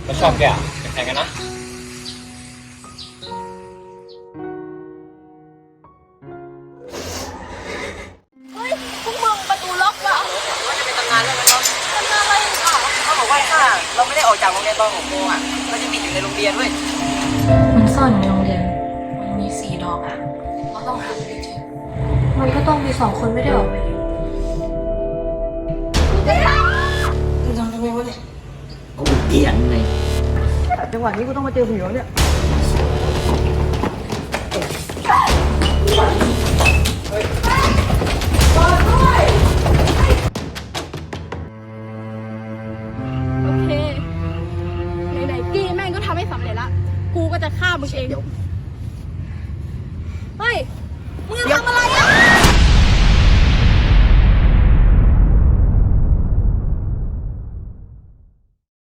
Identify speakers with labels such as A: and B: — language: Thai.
A: แล้วชอบแกเป็นใครกันนะ
B: เฮ้ยพวกมึงประตูล็อกว่ะ
C: ว่าจะเป็นตำนานเรื่องนั้นเนาะ
B: ทำอะไรอีกอ่ะ
C: เขาบอกว่าถ้าเราไม่ได้ออกจากโรงเรียนตอน6 โมงอ่ะเราจะติดอยู่ในโรงเรียนเว้ย
D: มันซ่อนอยู่ในโรงเรียน
B: มันมี4 ดอกอ่ะเราต้องหาให้เจอ
D: มันก็ต้องมี2 คนไม่ได้ออกไปดิ
C: มึงทำทำไมวะเนี่ย
E: กูเถียงเลย
C: จังหวะนี้กูต้องมาเจอผู้หญิงเนี่ย
B: โอเคไหนๆกี้แม่งก็ทำให้สำเร็จละกูก็จะฆ่ามึงเอง